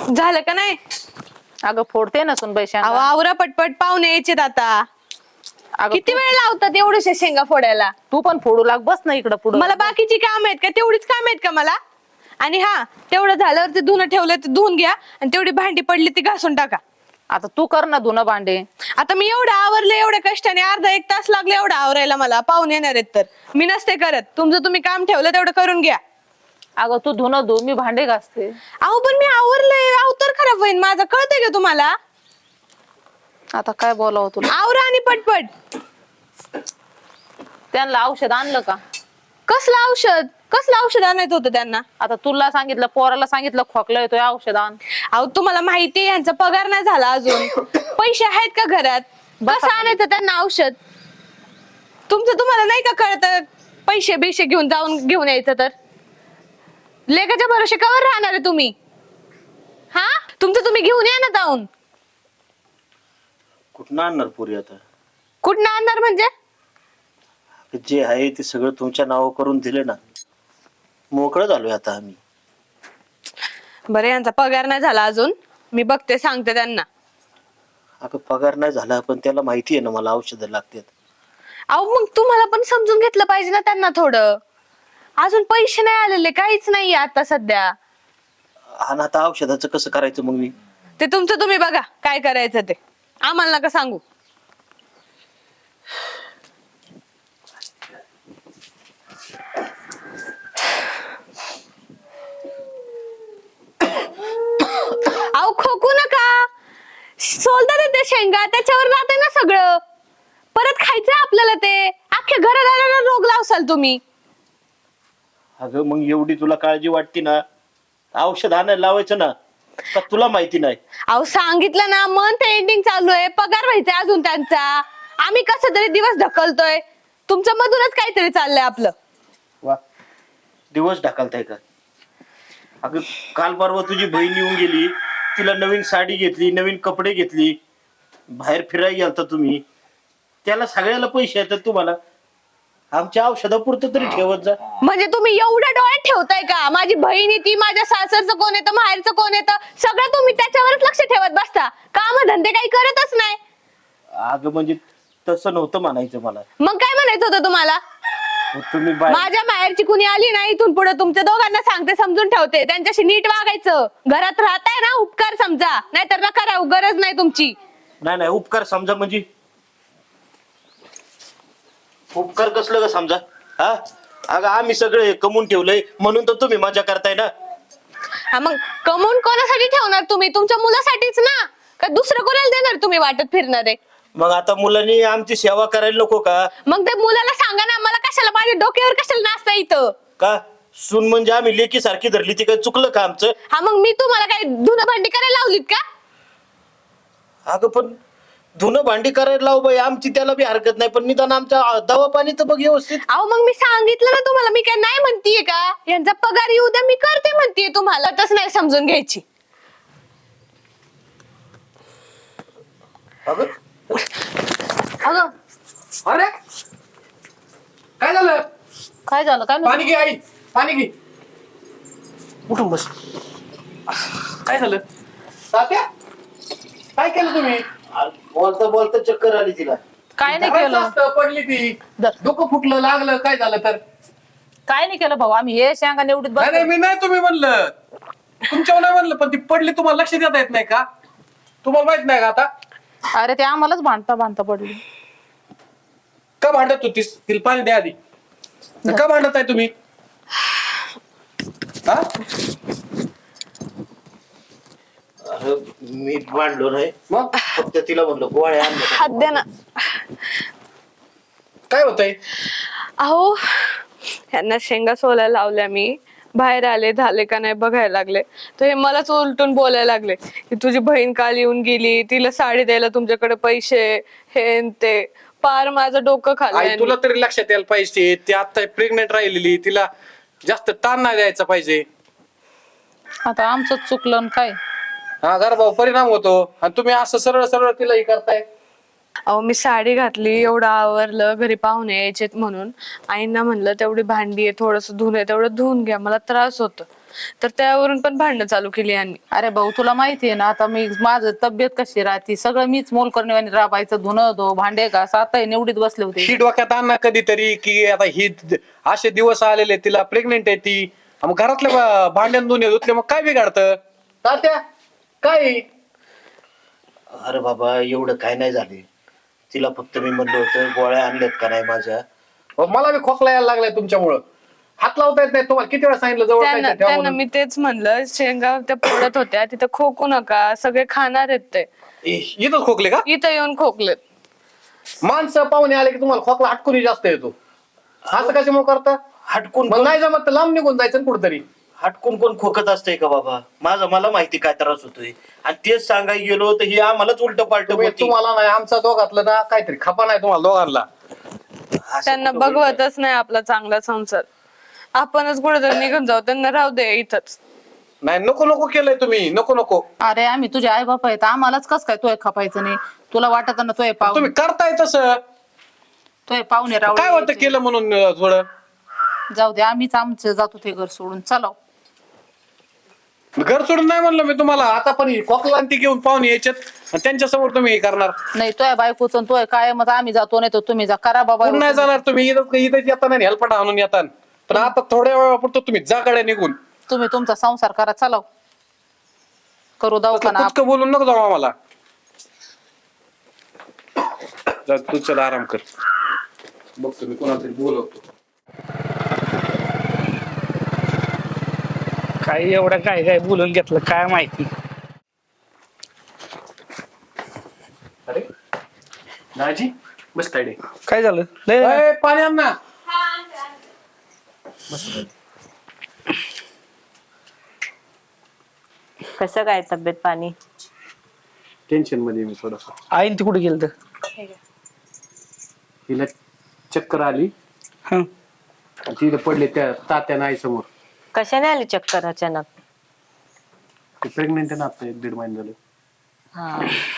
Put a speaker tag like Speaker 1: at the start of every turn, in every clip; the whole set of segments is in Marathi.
Speaker 1: झालं का नाही?
Speaker 2: अगं फोडते ना सुन पैसे.
Speaker 1: अहो आवरा पटपट, पाहुणे यायचेत आता.
Speaker 2: अगं
Speaker 1: किती वेळ लावतात एवढ्याशा शेंगा फोडायला?
Speaker 2: तू पण फोडू लाग, बस ना इकडं पुढं.
Speaker 1: मला बाकीची काम आहेत का? तेवढीच काम आहेत का मला? आणि हा, तेवढं झाल्यावर ते धुणं ठेवलं ते धुवून घ्या आणि तेवढी भांडी पडली ती घासून टाका.
Speaker 2: आता तू कर ना धुणं भांडे.
Speaker 1: आता मी एवढं आवरले, एवढ्या कष्टाने अर्धा एक तास लागले एवढं आवरायला मला. पाहुणे येणार आहेत तर मी नसते करत. तुमचं तुम्ही काम ठेवलं तेवढं करून घ्या.
Speaker 2: अगं तू धुणं धु, मी भांडे घासते.
Speaker 1: अहो पण मी आवरलंय, अवतर खराब होईल माझं, कळतंय का तुम्हाला?
Speaker 2: आता काय बोलावं तुला?
Speaker 1: आवरा आणि पटपट.
Speaker 2: त्यांना औषध आणलं का?
Speaker 1: कसलं औषध? कसलं औषध आणायचं होतं त्यांना?
Speaker 2: आता तुला सांगितलं, पोराला सांगितलं खोकला येतोय औषध आण.
Speaker 1: अहो तुम्हाला माहिती आहे यांचा पगार नाही झाला अजून. पैसे आहेत का घरात? कसं आणायचं त्यांना औषध? तुमचं तुम्हाला नाही का कळत? पैसे बिशे घेऊन यायचं तर लेकाच्या भरोशे कवर राहणार आहे तुम्ही? हा, तुमचं तुम्ही घेऊन या ना जाऊन.
Speaker 3: कुठं आणणार पुरी आता?
Speaker 1: कुठं आणणार म्हणजे?
Speaker 3: जे आहे ते सगळं तुमच्या नावावर करून दिले ना, मोकळं झालोय आता आम्ही.
Speaker 1: बरं, यांचा पगार नाही झाला अजून, मी बघते, सांगते त्यांना.
Speaker 3: अगं पगार नाही झाला पण त्याला माहिती आहे ना मला औषधं लागतात.
Speaker 1: अहो मग तुम्हाला पण समजून घेतलं पाहिजे ना त्यांना थोडं. अजून पैसे नाही आलेले, काहीच नाहीये आता सध्या.
Speaker 3: आणि आता औषधाचं कसं करायचं मग मी?
Speaker 1: ते तुमचं तुम्ही बघा काय करायचं ते, आम्हाला नका सांगू. अहो खोकू नका, सोलतात ते शेंगा, त्याच्यावर राहते ना सगळं. परत खायचं आपल्याला ते. अख्ख्या घराला रोग लावसाल तुम्ही.
Speaker 3: अगं मग एवढी तुला काळजी वाटते ना, औषध आणायला लावायचं ना, का तुला माहिती नाही?
Speaker 1: अहो सांगितलं ना, मंथ एंडिंग चालू आहे, पगार व्हायचा अजून त्यांचा. आम्ही कसं तरी दिवस ढकलतोय, तुमच्या मधूनच काहीतरी चाललंय आपलं.
Speaker 3: वा, दिवस ढकलताय का? अगं काल परवा तुझी बहीण येऊन गेली, तिला नवीन साडी घेतली, नवीन कपडे घेतली, बाहेर फिरायला गेलता तुम्ही, त्याला सगळ्याला पैसे येतात तुम्हाला. आमच्या औषधापुरतं तरी ठेवत जा.
Speaker 1: म्हणजे तुम्ही एवढ्या डोळ्यात ठेवताय का? माझी बहीण ती, माझ्या सासरचं कोण येतं, माहेरचं कोण येतं, सगळं तुम्ही त्याच्यावरच लक्ष ठेवत बसता. काम धंदे काही करतच नाही.
Speaker 3: अगं म्हणजे तसं नव्हतं म्हणायचं मला.
Speaker 1: मग काय म्हणायचं होतं तुम्हाला?
Speaker 3: तुम्ही
Speaker 1: माझ्या माहेरची कुणी आली ना, इथून पुढे तुमच्या दोघांना सांगते, समजून ठेवते, त्यांच्याशी नीट वागायचं. घरात राहताय ना, उपकार समजा, नाहीतर नका राहू, गरज नाही तुमची.
Speaker 3: नाही नाही, उपकार समजा म्हणजे उपकार कसलं ग समजा? हा, अगं आम्ही सगळे कमवून ठेवलंय म्हणून तर तुम्ही मजा करताय ना.
Speaker 1: हा मग कमवून कोणासाठी ठेवणार तुम्ही? तुमच्या मुलासाठीच ना, का दुसरं कोणाला देणार तुम्ही वाटत फिरणारे?
Speaker 3: मग आता मुलांनी आमची सेवा करायला नको का?
Speaker 1: मग ते मुलाला सांगा ना, मला कशाला, माझ्या डोक्यावर कशाला नाचता इथं?
Speaker 3: का सून म्हणजे आम्ही लेकी सारखी धरली, ती काय चुकलं का आमचं?
Speaker 1: हा मग मी तुम्हाला काय धुणं भांडी करायला लावलीत का?
Speaker 3: अगं पण धुणं भांडी करायला लाव बाई, आमची त्याला बी हरकत नाही, पण निदान आमच्या दवा पाणी तर बघ व्यवस्थित.
Speaker 1: अहो मग मी सांगितलं ना तुम्हाला, मी काय नाही म्हणतीये का? यांचा पगार येऊ द्या, मी करते म्हणतीये तुम्हाला. तसं नाही समजून घ्यायची.
Speaker 3: अगं
Speaker 1: अगं
Speaker 4: अरे काय झालं?
Speaker 2: काय झालं काय
Speaker 4: पाणी घे आई, पाणी घे.
Speaker 3: उठून बस.
Speaker 4: काय झालं? तात्या काय केलं तुम्ही?
Speaker 3: बोलता बोलता चक्कर आली तिला.
Speaker 2: काय नाही
Speaker 4: धरायचं
Speaker 2: केलं,
Speaker 4: असतं, पडली ती, डोकं फुटलं, लागलं, काय झालं तर?
Speaker 2: काय नाही केलं भाऊ, आम्ही हे शेंगा निवडीत
Speaker 4: नाही नाही,
Speaker 2: बस.
Speaker 4: मी नाही तुम्ही म्हणलं, तुमच्यावर नाही म्हणलं, पण ती पडली, तुम्हाला लक्ष देता येत नाही का? तुम्हाला माहित नाही का आता?
Speaker 2: अरे ते आम्हालाच भांडता पडली.
Speaker 4: का भांडत होतीस? तिला पाणी द्या आधी. का भांडत आहे तुम्ही? हा?
Speaker 3: अरे मी भांडलो नाही,
Speaker 4: मग
Speaker 3: फक्त तिला म्हणलं गोळ्या आणल्या.
Speaker 1: हात द्या ना.
Speaker 4: काय होतंय?
Speaker 1: अहो यांना शेंगा सोलायला लावल्या, मी बाहेर आले, झाले का नाही बघायला लागले, तर हे मलाच उलटून बोलायला लागले की तुझी बहीण काल येऊन गेली, तिला साडी द्यायला तुमच्याकडे पैसे, हे न ते. पार माझं डोकं
Speaker 4: आई
Speaker 1: खाल्लं.
Speaker 4: तुला तरी लक्षात यायला पाहिजे, ती आता प्रेग्नेंट राहिलेली, तिला जास्त ताण नाही द्यायचा पाहिजे.
Speaker 2: आता आमचं चुकलं न काय.
Speaker 4: हा, गर्भावर परिणाम होतो आणि तुम्ही असं सरळ सरळ तिला हे करताय.
Speaker 1: अहो मी साडी घातली, एवढं आवरलं, घरी पाहुणे यायचेत म्हणून आईंना म्हणलं तेवढी भांडी आहे, थोडस धुणं आहे, तेवढं धुवून घ्या, मला त्रास होतो. तर त्यावरून पण भांडणं चालू केली यांनी.
Speaker 2: अरे भाऊ तुला माहितीये ना आता मी माझं तब्येत कशी राहते सगळं मीच मोल करणे राबायचं धुणं धो भांडे घास आता निवडीत बसले होते.
Speaker 4: ही डोक्यात आण ना कधीतरी की आता ही असे दिवस आलेले तिला प्रेग्नेंट आहे ती मग घरातले भांड्यान दोन्ही धुतले मग काय बिघाडतं तात्या काय
Speaker 3: अरे बाबा एवढं काय नाही झाले. तिला फक्त मी म्हणलं होतं गोळ्या आणल्यात का नाही माझ्या.
Speaker 4: मला बी खोकला यायला लागलाय तुमच्यामुळं हात लावता येत नाही तुम्हाला किती वेळा सांगितलं जवळ
Speaker 1: त्यांना
Speaker 4: काहीतरी ठेवा
Speaker 1: त्यांना
Speaker 4: म्हणून.
Speaker 1: मी तेच म्हणलं शेंगा त्या फोडत होत्या तिथं खोकू नका सगळे खाणार आहेत ते.
Speaker 4: इथंच खोकले का
Speaker 1: इथं येऊन खोकलेत.
Speaker 4: माणसं पाहुणे आले की तुम्हाला खोकला हटकून जास्त येतो असं कशामुळे करता
Speaker 3: हटकून
Speaker 4: मग नाही जमत तर लांब निघून जायचं ना कुठतरी.
Speaker 3: हटकून कोण खोकत असतंय का बाबा. मला माहिती काय त्रास होतोय आणि तेच सांगायला गेलो तर ही आम्हालाच उलट पालट
Speaker 4: तुम्हाला नाही आमचा दोघातलं ना काहीतरी खपा नाही तुम्हाला दोघांना.
Speaker 1: त्यांना बघवतच नाही आपला चांगला संसार. आपणच कुठेतरी निघून जाऊ त्यांना राहू दे इथंच.
Speaker 4: नाही नको नको केलंय तुम्ही नको नको
Speaker 2: अरे आम्ही तुझे आई बाप आहेत आम्हालाच कस काय तोय खपायचं नाही तुला वाटत ना तोय पाहुणे
Speaker 4: तुम्ही करताय तसं
Speaker 2: तोय पाहुणे राहू
Speaker 4: काय होतं केलं म्हणून थोडं
Speaker 2: जाऊ दे आम्हीच आमचं जातो ते घर सोडून चला.
Speaker 4: घर सोडून नाही म्हणलं मी तुम्हाला आता पण ही खोकला आणि ती घेऊन पाहुणे यायच्यात आणि त्यांच्या समोर तुम्ही हे करणार
Speaker 2: नाही तोय बायकोच तोय काय मग आम्ही जातो नाही तर तुम्ही जा करा बाबा.
Speaker 4: कोण नाही जाणार तुम्ही इथं येताना हेल्पट आणून येतात पण आता थोड्या वेळापुरतं तुम्ही जा गाड्या निघून
Speaker 2: तुम्ही तुमचा संसार करा चला करू दवाखाना.
Speaker 4: कुचकं बोलून नको जाऊ आम्हाला. जा तू चल आराम कर बघतो मी कोणाला तरी बोलवतो.
Speaker 5: काय एवढं काय काय बोलून घेतलं काय माहिती.
Speaker 4: अरे दाजी मस्त आहे
Speaker 5: काय झालं लय
Speaker 4: पाणी आण ना.
Speaker 6: कसं काय तब्येत पाणी
Speaker 4: टेन्शन मध्ये मी थोडस.
Speaker 5: आईन ती कुठे गेलं तर
Speaker 4: हिला चक्कर आली
Speaker 5: हं.
Speaker 4: तिथे पडले त्या तात्या आई समोर.
Speaker 6: कशाने आली चक्कर अचानक
Speaker 4: प्रेग्नेंट आहे ना आता 1-1.5 महिने झाले
Speaker 6: हा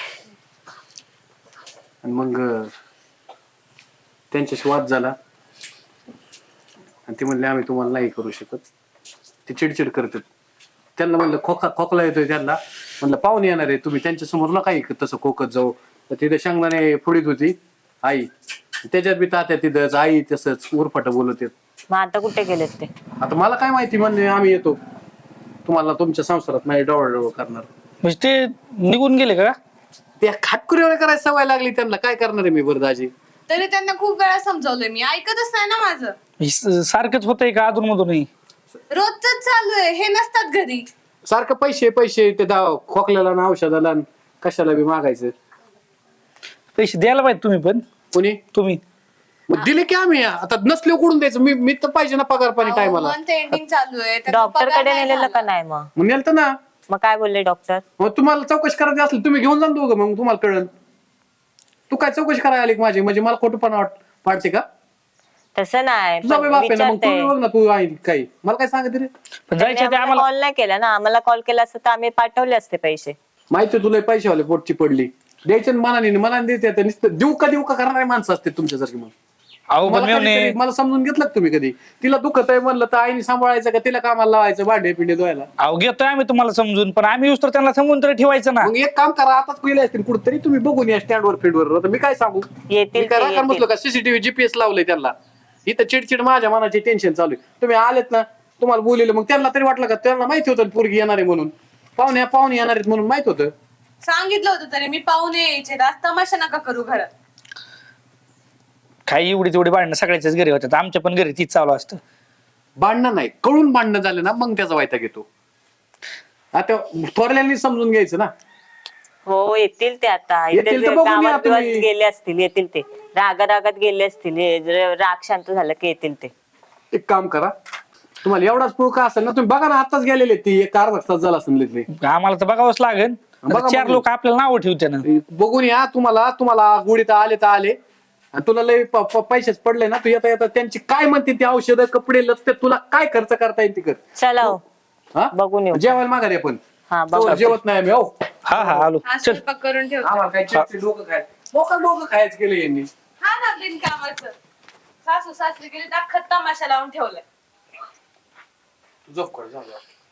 Speaker 4: आणि मग त्यांच्याशी वाद झाला आणि ते म्हणले आम्ही तुम्हाला नाही करू शकत. ते चिडचिड करतात. त्यांना म्हणलं खोकला येतोय त्यांना म्हणलं पाहुणे येणार आहे तुम्ही त्यांच्या समोर ना काही तसं खोकत जाऊ. तर तिथे शेंगदाणे फोडीत होती आई त्याच्यात बी तात्या तिथंच आई तसंच उरफाट बोलत येत.
Speaker 6: मग आता कुठे गेलेत ते
Speaker 4: आता मला काय माहिती म्हणले आम्ही येतो तुम्हाला तुमच्या संसारात नाही डवळ करणार.
Speaker 5: म्हणजे ते निघून गेले का.
Speaker 4: त्या खाटकुरी करायची सवय लागली त्यांना काय करणार आहे मी बरं दाजी.
Speaker 1: तरी त्यांना खूप वेळा समजावलंय मी ऐकतच नाही ना माझं.
Speaker 5: सारखंच होतंय का अधून मधूनही.
Speaker 1: रोजच चालू आहे हे नसतात घरी.
Speaker 4: सारखं पैसे ते खोकल्याला ना औषधाला न कशाला बी मागायचं.
Speaker 5: पैसे द्यायला पाहिजे तुम्ही पण.
Speaker 4: कोणी
Speaker 5: तुम्ही
Speaker 4: मग दिले की आम्ही आता नसले कुठून द्यायचं मी तर पाहिजे ना पगार पाणी टायमाला.
Speaker 1: एंडिंग चालू आहे त्यांचा
Speaker 6: डॉक्टर
Speaker 1: पगार
Speaker 6: कडे
Speaker 1: नाही
Speaker 6: नेलेलं
Speaker 1: झाला.
Speaker 6: का नाही मग
Speaker 4: मग नेलतं ना.
Speaker 6: मग काय बोलले डॉक्टर
Speaker 4: मग तुम्हाला चौकशी करायची असली तुम्ही घेऊन जा ना दोघं मग तुम्हाला कळलं. तू काय चौकशी करायला आली का माझी म्हणजे मला खोटंपणा वाटते का.
Speaker 6: तसं नाही
Speaker 4: तुझा बाप आहे ना मग तू बघ ना तू आहे काही मला काय सांगत रे.
Speaker 5: पण जायचं ते आम्हाला.
Speaker 6: कॉल नाही केला ना आम्हाला कॉल केला असता तर आम्ही पाठवले असते पैसे
Speaker 4: माहिती आहे तुला पैशावाले पोटची पडली द्यायचे ना मनाने देते आता नुसतं देऊ का करणारे माणसं असते तुमच्यासारखी. मग
Speaker 5: अहो पण
Speaker 4: मला कधीतरी मला समजून घेतलं का तुम्ही कधी तिला दुखत आहे म्हणलं तर आईने सांभाळायचं का तिला कामाला लावायचं भांडे पिंडे धुवायला.
Speaker 5: अहो घेतोय आम्ही तुम्हाला समजून पण आम्ही तर त्यांना समजून तरी ठेवायचं ना.
Speaker 4: मग एक काम करा आताच गेले असतील कुठेतरी तुम्ही बघून या स्टँडवर फील्डवर. आता मी काय सांगू
Speaker 6: येतील
Speaker 4: मी काय
Speaker 6: ते,
Speaker 4: राखण बसलो का सीसीटीव्ही जीपीएस लावलंय त्यांना. इथं चिडचिड माझ्या मनाची टेन्शन चालू आहे. तुम्ही आलेत ना तुम्हाला बोललेलं मग त्यांना तरी वाटलं का त्यांना माहिती होतं पोरगी येणार आहे म्हणून पाहुणे येणार आहेत म्हणून माहित होतं.
Speaker 1: सांगितलं होतं तरी मी पाहुणे यायचे आज तमाशा नका करू घरात.
Speaker 5: काही एवढी तेवढी भांडणं सगळ्याच्याच घरी होतात आमच्या पण घरी तीच चालू असतं.
Speaker 4: भांडणं नाही कळून भांडणं झालं ना मग त्याचा वायता घेतो. आता थोरल्यांनी समजून घ्यायचं ना.
Speaker 6: हो येतील ते आता
Speaker 4: येतील
Speaker 6: इथे
Speaker 4: तर बघून या
Speaker 6: गावात
Speaker 4: तुम्ही.
Speaker 6: बिवात गेले असतील येतील ते रागात गेले असतील राग शांत झालं की येतील ते.
Speaker 4: एक काम करा तुम्हाला एवढाच पुळका असेल ना तुम्ही बघा ना आताच गेलेले ती एक अर्धा तास झाला असेल.
Speaker 5: आम्हाला तर बघावंच लागेल.
Speaker 4: बघा,
Speaker 5: चार
Speaker 4: बघा.
Speaker 5: लोक आपल्याला नाव ठेवते ना.
Speaker 4: बघून या तुम्हाला गुढीत आले तर आले आणि तुला लय पैसेच पडले ना तू येता त्यांची काय म्हणते ती औषधं कपडे लत्ते तुला काय खर्च करता येईल ती कर.
Speaker 6: चला हो
Speaker 4: हा
Speaker 6: बघून येऊ.
Speaker 4: जेवायला माघारी आपण
Speaker 6: हा बघा
Speaker 4: जेवत नाही आम्ही हो.
Speaker 5: हा हा आलो
Speaker 1: हा
Speaker 5: चल.
Speaker 1: स्वयंपाक करून ठेवतो.
Speaker 4: आम्हाला काय चिडचिड डोकं खायचं केलं यांनी.
Speaker 1: हा ना बिनकामाचं सासू सासरी गेली अख्खा तमाशा लावून ठेवलाय.
Speaker 4: झोप कर जा.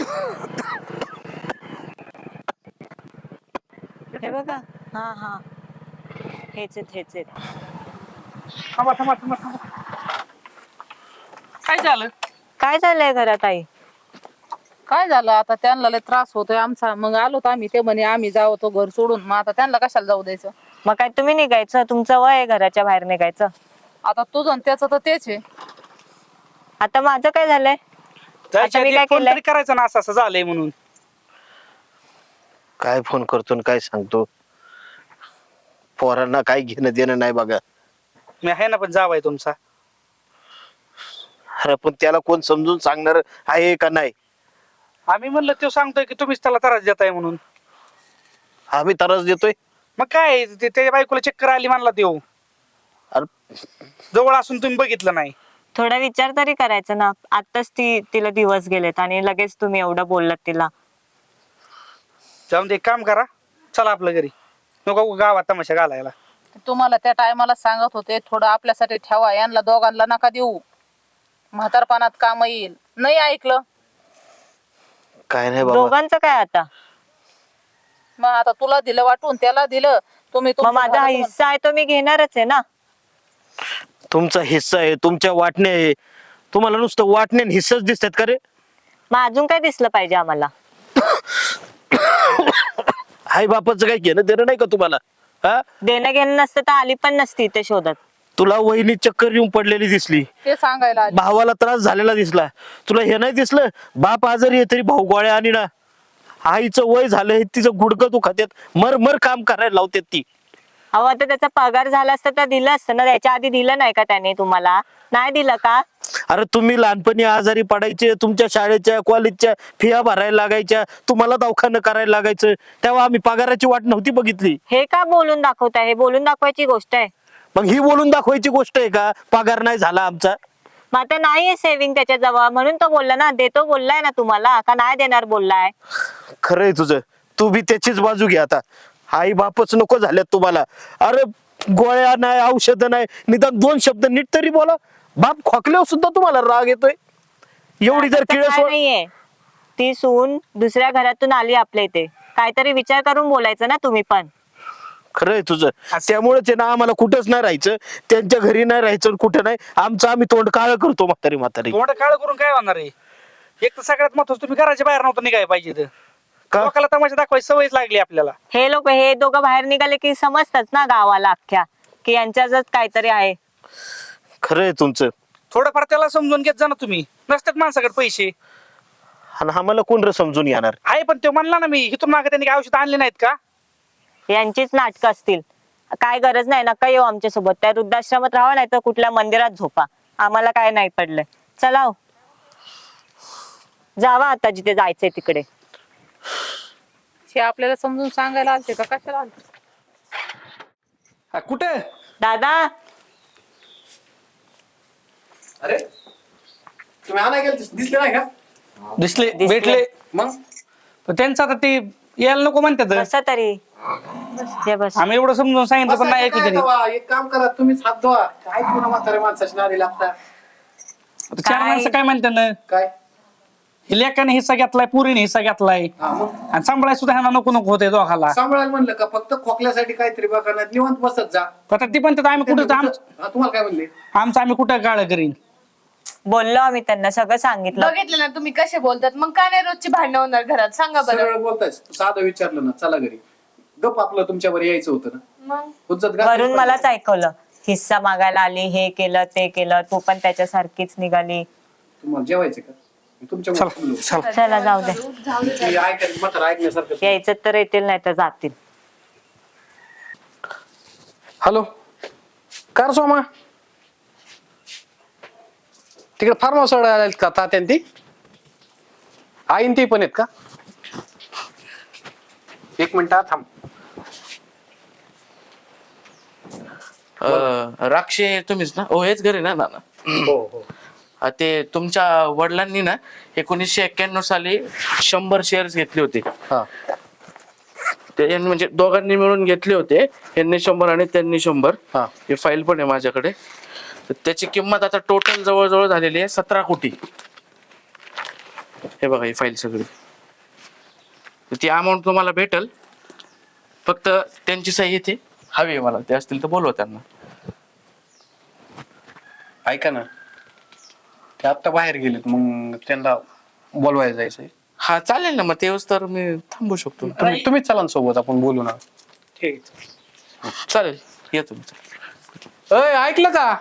Speaker 6: हे बघा. हा हा, हेच आहेत.
Speaker 5: थांबा थांबा थांबा थांबा. काय झालं?
Speaker 6: काय झालंय घरात आई?
Speaker 2: काय झालं आता, त्यांना लय त्रास होतोय आमचा. मग आलो तर आम्ही, ते म्हणे आम्ही जाऊ तो घर सोडून. मग आता त्यांना कशाला जाऊ द्यायचं?
Speaker 6: मग काय तुम्ही निघायचं? तुमचं वय आहे घराच्या बाहेर निघायचं.
Speaker 2: आता तुझं आणि त्याचं तर तेच आहे.
Speaker 6: आता माझं काय झालंय?
Speaker 5: जायच्या
Speaker 6: मी
Speaker 5: आधी
Speaker 6: काय
Speaker 5: फोन
Speaker 6: केलंय?
Speaker 5: तरी करायचं ना, असं असं झालंय म्हणून.
Speaker 3: काय फोन करतो आणि काय सांगतो? पोरांना काय घेणं देणं नाही बघा.
Speaker 5: मी आहे ना, पण जावाय तुमचा.
Speaker 3: अरे पण त्याला कोण समजून सांगणार आहे का नाही?
Speaker 5: आम्ही म्हणलं तो सांगतोय की तुम्हीच त्याला त्रास देताय म्हणून.
Speaker 3: आम्ही त्रास देतोय?
Speaker 5: मग काय त्याच्या बायकोला चक्कर आली म्हणला देऊ.
Speaker 3: अरे
Speaker 5: जवळ असून तुम्ही बघितलं नाही.
Speaker 6: थोडा विचार तरी करायचा ना. आताच तिला दिवस गेलेत आणि लगेच तुम्ही एवढं बोललात तिला.
Speaker 5: जाऊन दे, एक काम करा, चला आपल्या घरी. नको गावात तमाशा घालायला.
Speaker 2: तुम्हाला त्या टायमाला सांगत होते थोडं आपल्यासाठी ठेवा, यांना दोघांना नका देऊ, म्हातारपणात काम येईल. नाही ऐकलं.
Speaker 3: काय नाही बाबा.
Speaker 6: दोघांचं काय आता?
Speaker 2: मग आता तुला दिलं वाटून, त्याला दिलं. तुम्ही
Speaker 6: मग
Speaker 2: तुमचं
Speaker 6: माझा
Speaker 2: झालं तुम्हाला.
Speaker 6: हिस्सा आहे तो मी घेणारच आहे ना.
Speaker 3: तुमचा हिस्सा आहे, तुमच्या वाटणे आहे. तुम्हाला नुसतं वाटणे आणि हिस्साच दिसतात का रे?
Speaker 6: मग अजून काय दिसलं पाहिजे आम्हाला?
Speaker 3: आई बापाचं काही घेणं देणं नाही का तुम्हाला? हा,
Speaker 6: देणं घेणं नसतं तर आली पण नसती इथे शोधत.
Speaker 3: तुला वहिनी चक्कर येऊन पडलेली दिसली,
Speaker 2: ते सांगायला आली.
Speaker 3: भावाला त्रास झालेला दिसला, तुला हे नाही दिसलं? बाप आजारी आहे तरी भाऊ गोळ्या आणि ना. आईचं वय झालंय, तिचं गुडघं दुखात्यात, मर काम करायला लावतात ती.
Speaker 6: अहो आता त्याचा पगार झाला असता तर दिलं असतं ना. त्याच्या आधी दिलं नाही का त्याने तुम्हाला? नाही दिलं का?
Speaker 3: अरे तुम्ही लहानपणी आजारी पडायचे, तुमच्या शाळेच्या कॉलेजच्या फिया भरायला लागायच्या, तुम्हाला दवाखानं करायला लागायचं, तेव्हा आम्ही पगाराची वाट नव्हती बघितली.
Speaker 6: हे का बोलून दाखवताय? हे बोलून दाखवायची गोष्ट आहे.
Speaker 3: मग ही बोलून दाखवायची गोष्ट आहे का? पगार नाही झाला आमचा.
Speaker 6: मग आता नाहीये सेव्हिंग त्याच्या जवळ म्हणून तो बोलला ना. देतो बोललाय ना तुम्हाला, का नाही देणार बोललाय?
Speaker 3: खरंय तुझं, तू बी त्याचीच बाजू घे आता. आई बापच नको झाल्यात तुम्हाला. अरे गोळ्या नाही, औषधं नाही, निदान 2 शब्द नीट तरी बोला. बाप खोकल्यावर सुद्धा तुम्हाला राग येतोय. एवढी जर
Speaker 6: असं
Speaker 3: किळस
Speaker 6: काय नाहीये. ती सून दुसऱ्या घरातून आली आपल्या इथे, काहीतरी विचार करून बोलायचं ना तुम्ही पण.
Speaker 3: खरंय तुझं. त्यामुळेच आहे ना, आम्हाला कुठंच नाही राहायचं, त्यांच्या घरी नाही राहायचं, कुठं नाही. आमचं आम्ही तोंड काळ करतो म्हातारी.
Speaker 5: मोठं काळ करून काय होणार आहे? एक तर सगळ्यात महत्वाचं, तुम्ही घराच्या बाहेर नव्हतं निघायला पाहिजे. तर
Speaker 3: का?
Speaker 5: लोकांना तमाशा दाखवायची सवयच लागली आपल्याला.
Speaker 6: हे लोक हे दोघं बाहेर निघाले की समजतात ना गावाला अख्ख्या, की यांच्यातच काहीतरी आहे.
Speaker 3: खरंय तुमचं.
Speaker 5: थोडंफार त्याला समजून घेत जा ना तुम्ही. नसतात माणसाकडे पैसे.
Speaker 3: आणि आम्हाला कोण रे समजून घेणार?
Speaker 5: आहे पण तो म्हणला ना, मी इथून मागे त्यांनी काय औषध आणले नाहीत का?
Speaker 6: यांचीच नाटकं असतील. काय गरज नाही, नका येऊ आमच्या सोबत. त्या वृद्धाश्रमात राहा, नाही तर कुठल्या मंदिरात झोपा. आम्हाला काय नाही पडलंय. चला हो. जावा आता जिथे जायचंय तिकडे.
Speaker 2: हे आपल्याला समजून सांगायला आलते का कशाला आलते?
Speaker 5: कुठे?
Speaker 6: दादा
Speaker 4: अरे तुम्ही आणाय गेल दिसले नाही का?
Speaker 5: दिसले,
Speaker 6: दिसले.
Speaker 5: भेटले.
Speaker 4: मग
Speaker 5: पण त्यांचं आता ते यायला नको म्हणतात.
Speaker 6: बसा तरी. ये बस.
Speaker 5: आम्ही एवढं समजून सांगितलं पण नाही ऐकलं
Speaker 4: काय
Speaker 5: त्यांनी.
Speaker 4: तेव्हा एक काम करा, तुम्हीच हात धुवा. काय पुन्हा म्हाताऱ्या माणसाची नादी लागता?
Speaker 5: आता 4 माणसं काय म्हणतात ना,
Speaker 4: काय
Speaker 5: हे लेकाने हिस्सा घेतलाय, पुरीने हिस्सा घेतलाय,
Speaker 4: हा मग
Speaker 5: आणि सांभाळाय सुद्धा ह्यांना नको नको होते दोघाला.
Speaker 4: सांभाळायला म्हणलं का फक्त खोकल्यासाठी काहीतरी बघा ना, निवांत बसत जा.
Speaker 5: आता ती पण आम्ही कुठं
Speaker 4: हा, तुम्हाला काय म्हणले?
Speaker 5: आमचं आम्ही कुठं काळ करीन.
Speaker 6: बोललो आम्ही त्यांना, सगळं सांगितलं.
Speaker 1: बघितलं ना तुम्ही कसे बोलतात. मग का नाही रोजची भांडणं होणार घरात? सांगा बरं.
Speaker 4: सरळ बोलताय. साधं विचारलं ना, चला घरी, गप आपलं तुमच्यावर यायचं होतं ना.
Speaker 1: मग
Speaker 4: हुज्जत घातलीच
Speaker 6: वरून
Speaker 4: पाहिजे.
Speaker 6: मलाच ऐकवलं. हिस्सा मागायला आली, हे केलं ते केलं. तू पण त्याच्यासारखीच निघाली.
Speaker 4: तुम्हाला जेवायचं का? तुमच्या
Speaker 5: चला.
Speaker 6: चला जाऊ दे.
Speaker 4: ऐकण्यासारखं.
Speaker 6: यायचं तर येतील, नाही तर जातील.
Speaker 4: हॅलो, कार सोमा तिकडे फार्म हाऊस आहेत का? तात्यान ती आईन ती पण आहेत का? 1 मिनिट थांब.
Speaker 7: राक्षे तुम्हीच ना? हो, हेच घरी ना नाना?
Speaker 4: हो हो.
Speaker 7: ते तुमच्या वडिलांनी ना 1991 साली 100 शेअर्स घेतले होते.
Speaker 4: हा
Speaker 7: ते म्हणजे दोघांनी मिळून घेतले होते. यांनी 100 आणि त्यांनी 100.
Speaker 4: हा.
Speaker 7: हे फाईल पण आहे माझ्याकडे. तर त्याची किंमत आता टोटल जवळजवळ झालेली आहे 17 कोटी. हे बघा ही फाईल सगळी. ती अमाऊंट तुम्हाला भेटल. फक्त त्यांची सही इथे हवी आहे मला. ते असतील तर बोलवा त्यांना.
Speaker 4: ऐका ना, ते आत्ता बाहेर गेलेत, मग त्यांना बोलवायला जायचंय.
Speaker 7: हा चालेल ना, मग तेव्हाच तर मी थांबू शकतो.
Speaker 4: तुम्हीच चला ना सोबत, आपण बोलू ना.
Speaker 5: ठीक.
Speaker 7: चालेल, या तुम्ही.
Speaker 4: अय, ऐकलं का?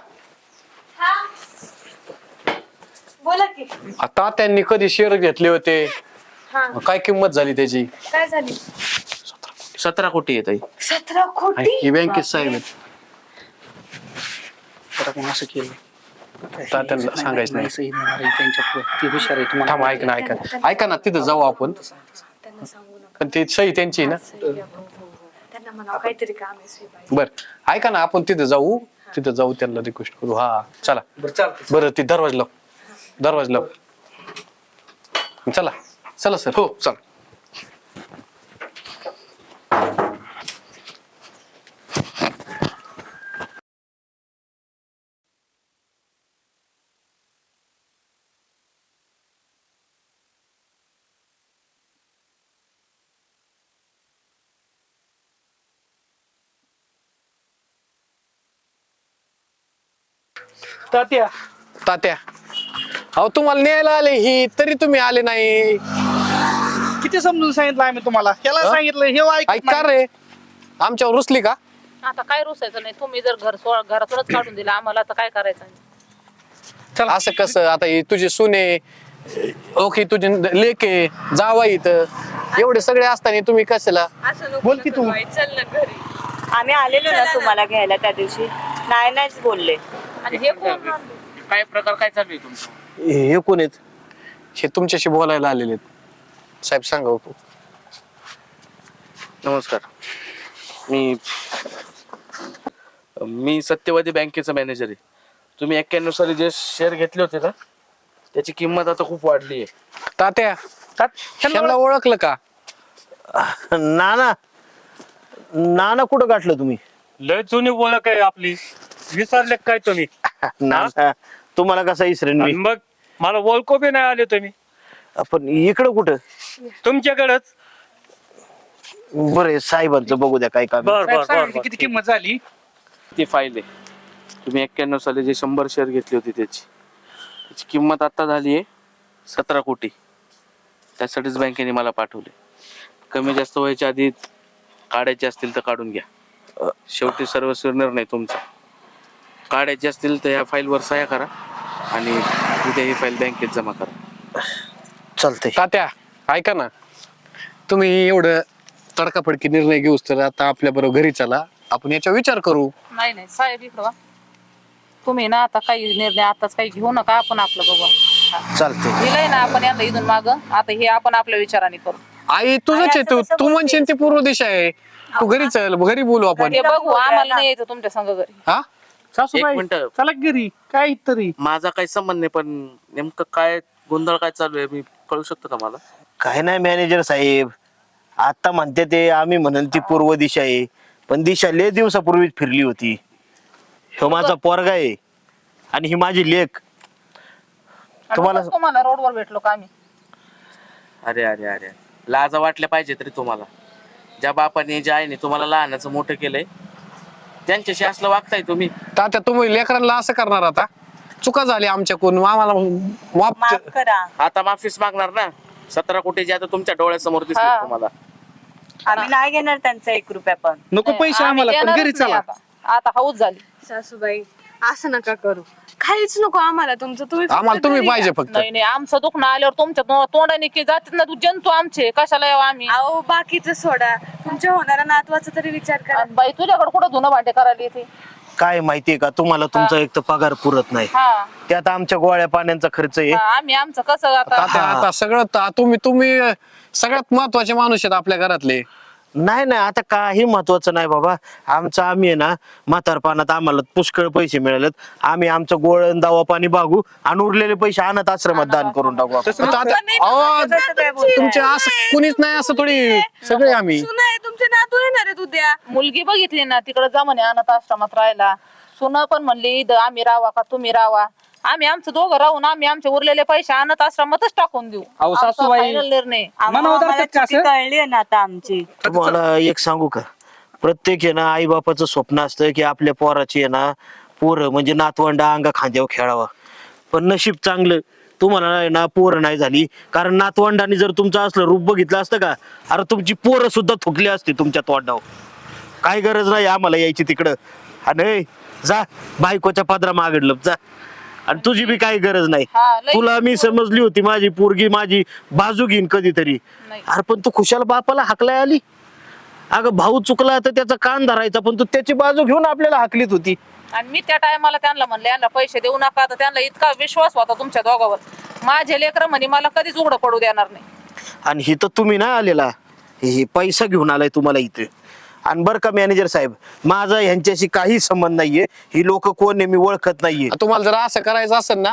Speaker 1: बोला की.
Speaker 4: आता त्यांनी कधी शेअर घेतले होते,
Speaker 1: हा.
Speaker 4: काय किंमत झाली त्याची?
Speaker 1: काय झाली?
Speaker 7: 17 कोटी येत आहे.
Speaker 1: 17 कोटी?
Speaker 4: ही बँकेत साहेब आहेत.
Speaker 5: आता कोण असं केलं
Speaker 4: तात्यांना सांगायचं नाही.
Speaker 5: सही देणार आहे त्यांच्या ते हुशार आहे तुम्हाला.
Speaker 4: थांब, ऐक ना, ऐका ना, तिथं जाऊ आपण.
Speaker 1: त्यांना सांगू नका.
Speaker 4: पण ती सही त्यांची आहे ना.
Speaker 1: त्यांना म्हणा काहीतरी काम आहे श्रीबाई.
Speaker 4: बर, ऐका ना, आपण तिथं जाऊ, त्यांना रिक्वेस्ट करू. हा चला.
Speaker 5: बरं चालतं.
Speaker 4: बरं, ती दरवाजा लाव, चला चला सर.
Speaker 7: हो चल.
Speaker 5: तात्या
Speaker 4: तात्या, अहो तुम्हाला न्यायला आले ही, तरी तुम्ही आले नाही.
Speaker 5: किती समजून सांगितलं आम्ही तुम्हाला. त्याला
Speaker 4: हा?
Speaker 5: सांगितलं हे ऐकत
Speaker 4: ऐका
Speaker 5: नाही.
Speaker 4: रे, आमच्यावर रुसली का?
Speaker 2: आता काय रुसायचं नाही. तुम्ही जर घरातूनच काढून दिलं आम्हाला, तर काय करायचं?
Speaker 5: चला.
Speaker 4: असं कसं? आता ही तुझी सुने, ओके, तुझी लेके, जावाई, इथं एवढे सगळे असताना तुम्ही कशाला?
Speaker 1: असं नको
Speaker 5: बोल की तू.
Speaker 1: बाई, चल ना घरी.
Speaker 6: आम्ही आलेलो ना तुम्हाला घ्यायला त्या दिवशी, नाहीच बोलले.
Speaker 2: आणि हे कोण?
Speaker 7: काय प्रकार काय चालू आहे तुमचा?
Speaker 3: हे कोण आहेत?
Speaker 4: हे तुमच्याशी बोलायला आलेले आहेत. साहेब सांगा हो.
Speaker 7: नमस्कार. मी सत्यवादी बँकेचा मॅनेजर आहे. तुम्ही 91 साली जे शेअर घेतले होते ना, त्याची किंमत आता खूप वाढली आहे.
Speaker 4: तात्या, त्यांना ओळखलं का?
Speaker 3: नाना कुठं गाठलं तुम्ही?
Speaker 8: लय जुनी ओळख आहे आपली. विसरले काय तुम्ही?
Speaker 3: नाना तुम्हाला कसा इसरेन
Speaker 8: आणि
Speaker 3: मी?
Speaker 8: मग मला ओळखू बी नाही आले तुम्ही.
Speaker 3: आपण इकडं कुठं?
Speaker 8: तुमच्याकडेच.
Speaker 3: बरं, साहेबांचं बघू द्या काय काम.
Speaker 8: बर
Speaker 5: साहेब
Speaker 8: बर
Speaker 5: सांगितलं
Speaker 8: बर
Speaker 5: किती किंमत झाली.
Speaker 7: ती फाईल आहे. तुम्ही 91 साली जे 100 शेअर घेतली होती त्याची किंमत आता झाली आहे 17 कोटी. त्यासाठीच बँकेने मला पाठवले. कमी जास्त व्हायच्या आधी काढायचे असतील तर काढून घ्या. शेवटी सर्वस्वी निर्णय तुमचा. काढायचे असतील तर या फाईलवर सह्या करा आणि उद्या ही फाईल बँकेत जमा करा.
Speaker 3: चालतंय.
Speaker 4: तात्या, ऐका ना, तुम्ही एवढं तडकाफडकी निर्णय घेऊस तर आता आपल्या बरोबर घरी चला, आपण याचा विचार करू.
Speaker 2: नाही साहेब, इकडं वा. तुम्ही ना आता काही निर्णय आताच काही घेऊ नका. आपण आपलं बघू.
Speaker 3: चालतंय.
Speaker 2: दिलंय ना आपण यांना इथून माग. आता हे आपण आपल्या विचाराने करू.
Speaker 4: आई तुझंच आहे, तू म्हणशील ती पूर्व दिशा आहे. तू घरी चल, घरी बोलू आपण.
Speaker 2: हे बघू, आम्हाला नाही यायचं तुमच्या संग घरी.
Speaker 4: हा,
Speaker 5: सासूबाई
Speaker 7: एक मिनिटं.
Speaker 5: चला घरी. काय तरी
Speaker 7: माझा काही संबंध नाही, पण नेमकं काय गोंधळ काय चालू आहे मी कळू शकतो का मला?
Speaker 3: काय नाही मॅनेजर साहेब, आता म्हणते ते आम्ही म्हणाल ती पूर्व दिशा आहे, पण दिशा लय दिवसापूर्वीच फिरली होती. ह्यो माझा पोरगा आहे आणि ही माझी लेक.
Speaker 2: तुम्हाला रोडवर भेटलो का आम्ही?
Speaker 7: अरे अरे अरे, लाजा वाटल्या पाहिजे तरी तुम्हाला. ज्या बापाने ज्या आईने तुम्हाला लहानाचं मोठं केलंय त्यांच्याशी असलं वागताय तुम्ही.
Speaker 4: तात्या तुम्ही लेकरांना असं करणार? आता चुका झाली आमच्याकडून, आम्हाला माफ
Speaker 6: माफ करा.
Speaker 7: आता माफीच मागणार ना. 17 कोटीचे आता तुमच्या डोळ्यासमोर दिसले
Speaker 2: हा.
Speaker 7: तुम्हाला.
Speaker 6: आम्ही नाही घेणार त्यांचा 1 रुपया पण.
Speaker 5: नको पैसे
Speaker 2: आम्ही
Speaker 5: आम्हाला, पण
Speaker 2: देणारच
Speaker 5: घरी
Speaker 2: नाही
Speaker 5: चला.
Speaker 2: आता हाऊस झाली.
Speaker 1: सासूबाई असं नका करू. काहीच नको आम्हाला तुमचं. फक्त
Speaker 4: आम्हाला तुम्ही
Speaker 1: घरी
Speaker 4: पाहिजे
Speaker 1: या.
Speaker 4: फक्त.
Speaker 2: नाही आमचं दुखणं आल्यावर तुमच्या तोंडाने की जातात ना, तू जंतू आमचे कशाला यावं आम्ही?
Speaker 1: अहो बाकीचं सोडा, तुमच्या होणारा नातवाचा तरी विचार करा.
Speaker 2: आणि बाई तुझ्याकडे कुठं धुणं भांडे करायला येते?
Speaker 3: काय माहितीये का तुम्हाला, तुमचा एक तर पगार पुरत नाही,
Speaker 2: हा.
Speaker 3: त्यात आमच्या गोळ्या पाण्याचा खर्च आहे.
Speaker 2: आम्ही आमचं कसं आता?
Speaker 4: तात्या, आता सगळं तुम्ही सगळ्यात महत्वाचे माणूस आहेत आपल्या घरातले.
Speaker 3: नाही नाही, आता काही महत्वाचं नाही बाबा. आम्ही आहे ना, म्हातारपणात आम्हाला पुष्कळ पैसे मिळालेत. आम्ही आमचं गोळण दावा पाणी बागू आणि उरलेले पैसे अनाथ आश्रमात दान करून टाकू आपण.
Speaker 5: तसं
Speaker 4: तात्या, अहो, तुमचे असं कुणीच नाही, असं थोडी सगळे आम्ही.
Speaker 1: सुना आहे, तुमचे नातू येणार आहेत उद्या.
Speaker 2: मुलगी बघितली ना, तिकडे जा म्हणे अनाथ आश्रमात राहायला. सुन पण म्हणली इथं आम्ही राहावा का तुम्ही राहावा. आम्ही आमचं दोघं राहून आम्ही आमचे उरलेले पैसे अनाथ आश्रमातच टाकून देऊ.
Speaker 5: अहो,
Speaker 2: आमचा
Speaker 5: सासूबाई.
Speaker 2: final निर्णय.
Speaker 6: आम्हाला
Speaker 5: धरतात का
Speaker 6: चुकी
Speaker 5: असं?
Speaker 6: कळली ना आता आमची.
Speaker 3: तुम्हाला एक सांगू का, प्रत्येक आहे ना आई बापाचं स्वप्न असतं की आपल्या पोराची आहे ना पोरं म्हणजे नातवंडा अंगा खांद्यावर खेळावा. पण नशीब चांगलं तुम्हाला आहे ना पोरं नाही झाली, कारण नातवंडाने जर तुमचं असलं रूप बघितलं असतं का, अरे तुमची पोरं सुद्धा थुकली असते तुमच्या तोंडावर. काय गरज नाही आम्हाला यायची तिकडं. आणि जा बायकोच्या पदरा मागडलं जा, आणि तुझी बी काही गरज नाही.
Speaker 2: हा, लई
Speaker 3: तुला मी समजली होती माझी पोरगी माझी बाजू घेईन कधीतरी.
Speaker 2: नाही.
Speaker 3: अरे पण तू खुशाल बापाला हाकलाय आली. अगं भाऊ चुकला तर त्याचा कान धरायचा, पण तू त्याची बाजू घेऊन आपल्याला हाकलीत होती.
Speaker 2: आणि मी त्या टायमाला त्यांना म्हणले यांना पैसे देऊ नका. तर त्यांना इतका विश्वास होता तुमच्या दोघांवर. माझे लेकर म्हणे मला कधीच उघडं पडू देणार नाही.
Speaker 3: आणि ही तर तुम्ही नाही आलेला, हे पैसा घेऊन आलाय तुम्हाला इथे. आणि बरं का मॅनेजर साहेब, माझा ह्यांच्याशी काही संबंध नाहीये. ही लोक कोण आहे मी ओळखत नाहीये.
Speaker 4: तुम्हाला जर असं करायचं असेल ना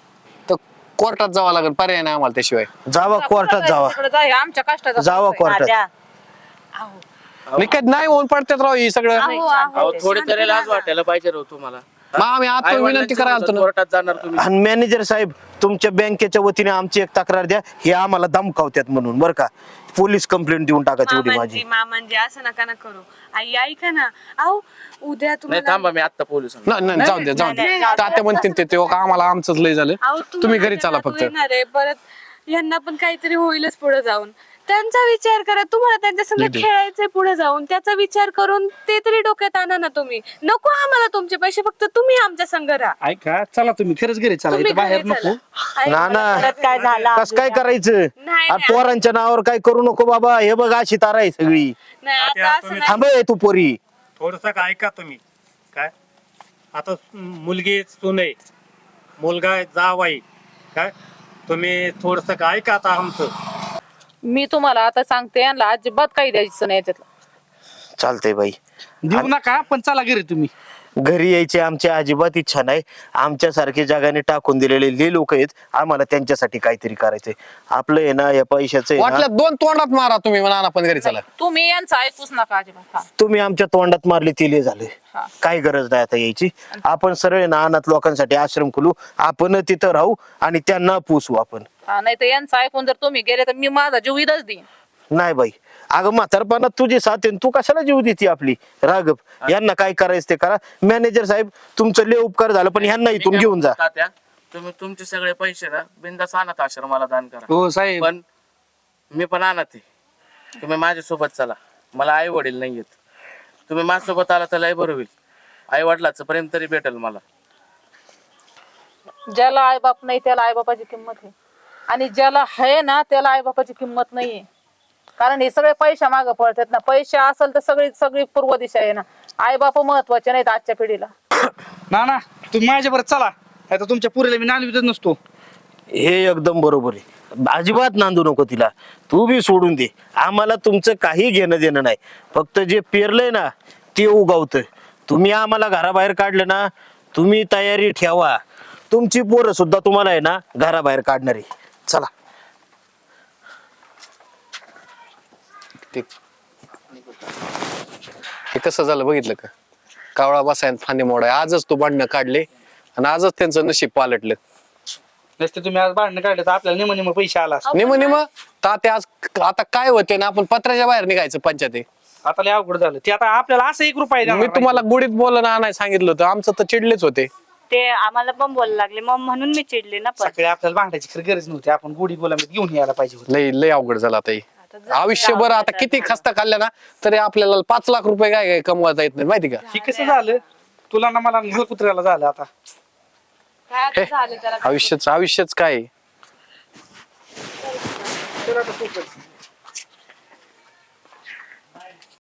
Speaker 4: तर कोर्टात जावं लागेल, पर्याय नाही आम्हाला त्याशिवाय.
Speaker 3: जावा कोर्टात जावा,
Speaker 2: तिकडे जा, हे आमच्या कष्टाचा
Speaker 3: जावा
Speaker 2: पैसा आहे.
Speaker 3: कोर्टात.
Speaker 6: राजा,
Speaker 4: निकट नाही होऊन पडतात राव ही सगळं.
Speaker 7: अहो थोडी तरी लाज वाटायला पाहिजे राव तुम्हाला.
Speaker 4: मग आम्ही आता विनंती करायला आलतो ना.
Speaker 7: कोर्टात जाणार तुम्ही.
Speaker 3: आणि मॅनेजर साहेब तुमच्या बँकेच्या वतीने आमची एक तक्रार द्या, हे आम्हाला धमकावत्यात म्हणून. बरं का, पोलीस कंप्लेंट देऊन टाका तेवढी माझी.
Speaker 1: मामांजी असं नका ना करू. आई ऐका ना, अहो उद्या
Speaker 7: नाही
Speaker 1: तुम्हाला
Speaker 7: थांबा, मी आता पोलीस
Speaker 4: नाही जाऊ द्या जाऊ द्या. तात्या म्हणते ते आम्हाला आमचंच लय झालं.
Speaker 1: अहो,
Speaker 4: तुम्ही घरी चला
Speaker 1: नातू
Speaker 4: फक्त.
Speaker 1: येणार आहे परत, यांना पण काहीतरी होईलच पुढे जाऊन. त्यांचा विचार करा, तुम्हाला त्यांच्या संग खेळायचंय पुढे जाऊन, त्याचा विचार करून ते तरी डोक्यात आणा ना तुम्ही. नको आम्हाला तुमचे पैसे, फक्त तुम्ही आमच्या संग राहा.
Speaker 5: ऐका, चला तुम्ही खरंच घरी चला,
Speaker 1: तुम्ही
Speaker 5: इथं बाहेर
Speaker 1: घरी
Speaker 5: नको.
Speaker 1: चला. ऐका.
Speaker 3: ना ना
Speaker 6: परत काय झालं
Speaker 3: कस काय करायचं.
Speaker 1: नाही,
Speaker 3: अरे पोरांच्या नावावर काय करू नको बाबा. हे बघ अशी तारा आहे सगळी.
Speaker 1: नाही आता असं नाही.
Speaker 3: थांब हे तू पोरी.
Speaker 8: थोडस ऐका तुम्ही. काय आता मुलगी सून आहे, मुलगा जावाई, काय तुम्ही थोडस ऐका आता आमचं.
Speaker 2: मी तुम्हाला आता सांगते यांना अजिबात काही द्यायचं नाही याच्यातलं.
Speaker 3: चालतंय बाई,
Speaker 5: देऊ नका, पण चला घरी तुम्ही.
Speaker 3: घरी यायची आमची अजिबात इच्छा नाही. आमच्यासारखे जगाने टाकून दिलेले ले लोक आहेत, आम्हाला त्यांच्यासाठी काहीतरी करायचंय. आपलं आहे ना या पैशाचं आहे ना,
Speaker 4: वाटलं 2 तोंडात मारा तुम्ही, म्हणा पण घरी चला.
Speaker 2: तुम्ही यांचं ऐकूच नका अजिबात. हा.
Speaker 3: तुम्ही आमच्या तोंडात मारले तिले झाले.
Speaker 2: हा.
Speaker 3: काही गरज नाही आता यायची. आपण सरळ ना अनाथ लोकांसाठी आश्रम खोलू, आपण तिथं राहू आणि त्यांना पोसू आपण.
Speaker 2: हा, नाही तर यांचं ऐकून जर तुम्ही गेले तर मी माझा जीव इथंच देईन.
Speaker 3: नाही बाई, अगं म्हातारपणात तुझी साथ आहे, तू कशाला जीव देते आपली. राघव, यांना काय करायचं ते करा. मॅनेजर साहेब तुमचं लय उपकार झालं, पण ह्यांना इथून घेऊन जा.
Speaker 7: तात्या, तुम्ही तुमचे सगळे पैसे ना बिंदास अनाथ आश्रमाला दान करा.
Speaker 5: हो साहेब.
Speaker 7: पण मी पण अनाथ आहे. तुम्ही माझ्यासोबत चला. मला आई वडील नाहीयेत. तुम्ही माझ्यासोबत आला तर लय बरं होईल. आई वडिलाचं प्रेम तरी भेटेल मला.
Speaker 2: ज्याला आईबाप नाही त्याला आईबापाची किंमत आहे, आणि ज्याला आहे ना त्याला आईबापाची किंमत नाहीये. कारण हे सगळे पैशा मागे पडतात ना. पैसे असेल तर सगळी सगळी पूर्व दिशा आहे ना. आईबाप महत्वाचे नाहीत आजच्या पिढीला.
Speaker 5: ना ना, तुम्ही माझ्याबरोबर चला, आता तुमच्या पुरीला मी नांदवीतच नसतो.
Speaker 3: हे एकदम बरोबर आहे. अजिबात नांदू नको तिला. तू बी सोडून दे. आम्हाला तुमचं काही घेणं देणं नाही. फक्त जे पेरलंय ना ते उगवतं. तुम्ही आम्हाला घराबाहेर काढलं ना, तुम्ही तयारी ठेवा. तुमची पोरं सुद्धा तुम्हाला आहे ना घराबाहेर काढणार आहे. चला.
Speaker 4: हे कसं झालं बघितलं का? कावळा बसायन फांदी मोडाय. आजच तू भांडणं काढले आणि आजच त्यांचं नशीब पालटलं.
Speaker 5: नसते तुम्ही आज भांडणं काढले तर आपल्याला निम पैसे आला असता.
Speaker 4: निम ताते आज आता काय होते ना, आपण पत्राच्या बाहेर निघायचं पंचायत.
Speaker 5: आता लय अवघड झालं ते. आता आपल्याला असं 1 रुपया देणार
Speaker 4: मी
Speaker 5: नाही.
Speaker 4: तुम्हाला गुढीत बोलणं आणाय सांगितलं होतं, आमचं तर चिडलेच होते.
Speaker 6: ते आम्हाला पण बोलायला लागले, मग म्हणून मी चिडले ना. पण
Speaker 5: सगळे आपल्याला भांडायची खरी गरज नव्हती. आपण गुढी बोलामध्ये घेऊन यायला पाहिजे होतं.
Speaker 4: लय लय अवघड झालं आता हे. आयुष्यभर आता किती खस्ता खाल्ल्या ना तरी आपल्याला 5 लाख रुपये काय काय कमवता येत नाही, माहिती का?
Speaker 5: हे कसं झालं तुला ना मला कुत्र्याला झालं आता.
Speaker 1: काय आता झालं जरा.
Speaker 4: आयुष्यच काय आहे?
Speaker 5: तर आता खूपच.